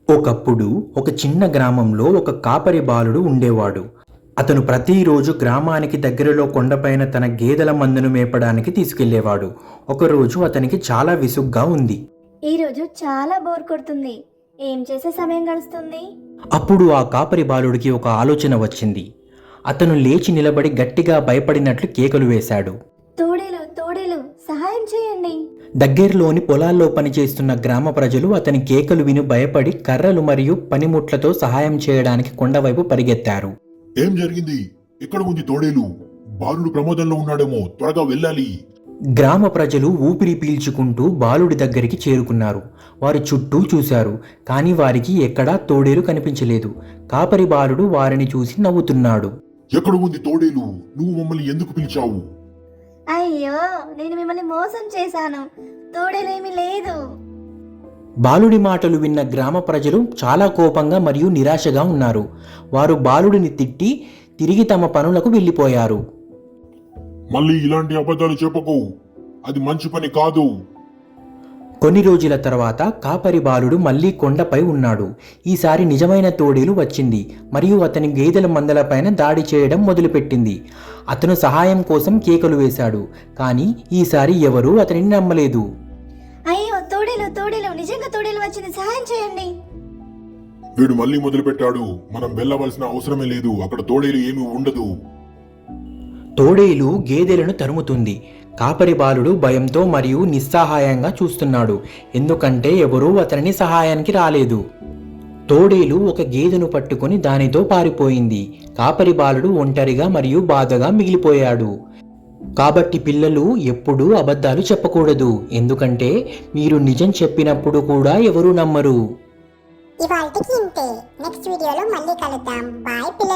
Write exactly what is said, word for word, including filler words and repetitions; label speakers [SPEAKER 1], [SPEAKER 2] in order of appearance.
[SPEAKER 1] ఒకప్పుడు ఒక చిన్న గ్రామంలో ఒక కాపరి బాలుడు ఉండేవాడు. అతను ప్రతిరోజు గ్రామానికి దగ్గరలో కొండపైన తన గేదెల మందను మేపడానికి తీసుకెళ్లేవాడు. ఒకరోజు అతనికి చాలా విసుగ్గా ఉంది.
[SPEAKER 2] ఈరోజు చాలా బోర్ కొడుతుంది. ఏం చేసే సమయం గడుస్తుంది?
[SPEAKER 1] అప్పుడు ఆ కాపరి బాలుడికి ఒక ఆలోచన వచ్చింది. అతను లేచి నిలబడి గట్టిగా భయపడినట్లు కేకలు వేశాడు.
[SPEAKER 2] తోడేలు తోడేలు సహాయం చేయండి.
[SPEAKER 1] దగ్గరలోని పొలాల్లో పనిచేస్తున్న గ్రామ ప్రజలు అతని కేకలు విని భయపడి కర్రలు మరియు పనిముట్లతో సహాయం చేయడానికి కొండవైపు పరిగెత్తారు.
[SPEAKER 3] ఏం జరిగింది? ఎక్కడ ఉంది తోడేలు? బాలుడు ప్రమాదంలో ఉన్నాడేమో, త్వరగా వెళ్ళాలి.
[SPEAKER 1] గ్రామ ప్రజలు ఊపిరి పీల్చుకుంటూ బాలుడి దగ్గరికి చేరుకున్నారు. వారు చుట్టూ చూశారు, కానీ వారికి ఎక్కడా తోడేలు కనిపించలేదు. కాపరి బాలుడు వారిని చూసి నవ్వుతున్నాడు.
[SPEAKER 3] ఎక్కడ ఉంది తోడేలు? నువ్వు మమ్మల్ని ఎందుకు పిలిచావు?
[SPEAKER 2] అయ్యో, నేను మిమ్మల్ని మోసం చేశాను. తోడేలేమీ లేదు.
[SPEAKER 1] బాలుడి మాటలు విన్న గ్రామ ప్రజలు చాలా కోపంగా మరియు నిరాశగా ఉన్నారు. వారు బాలుడిని తిట్టి తిరిగి తమ పనులకు వెళ్ళిపోయారు.
[SPEAKER 3] మళ్ళీ ఇలాంటి అబద్ధాలు చెప్పకు, అది మంచి పని కాదు.
[SPEAKER 1] కొన్ని రోజుల తర్వాత కాపరి బాలుడు మళ్ళీ కొండపై ఉన్నాడు. ఈసారి నిజమైన తోడేలు వచ్చింది మరియు అతని గేదెల మందలపైన దాడి చేయడం మొదలుపెట్టింది. అతను సహాయం కోసం కేకలు వేశాడు, కానీ ఈసారి ఎవరూ అతనిని నమ్మలేదు.
[SPEAKER 2] అయ్యో, తోడేలు తోడేలు నిజంగా తోడేలు వచ్చింది, సహాయం చేయండి.
[SPEAKER 3] వీడు మళ్ళీ మొదలు పెట్టాడు. మనం వెళ్ళవలసిన అవసరమే లేదు, అక్కడ తోడేలు ఏమీ ఉండదు.
[SPEAKER 1] తోడేలు గేదెలను తరుముతుంది. కాపరి బాలుడు భయంతో మరియు నిస్సహాయంగా చూస్తున్నాడు, ఎందుకంటే ఎవరూ అతనిని సహాయానికి రాలేదు. తోడేలు ఒక గేదెను పట్టుకొని దానితో పారిపోయింది. కాపరి బాలుడు ఒంటరిగా మరియు బాధగా మిగిలిపోయాడు. కాబట్టి పిల్లలు ఎప్పుడూ అబద్ధాలు చెప్పకూడదు, ఎందుకంటే మీరు నిజం చెప్పినప్పుడు కూడా ఎవరూ నమ్మరు.
[SPEAKER 4] ఇవాల్టికి ఇంతే. నెక్స్ట్ వీడియోలో మళ్ళీ కలుద్దాం. బాయ్ పిల్లలు.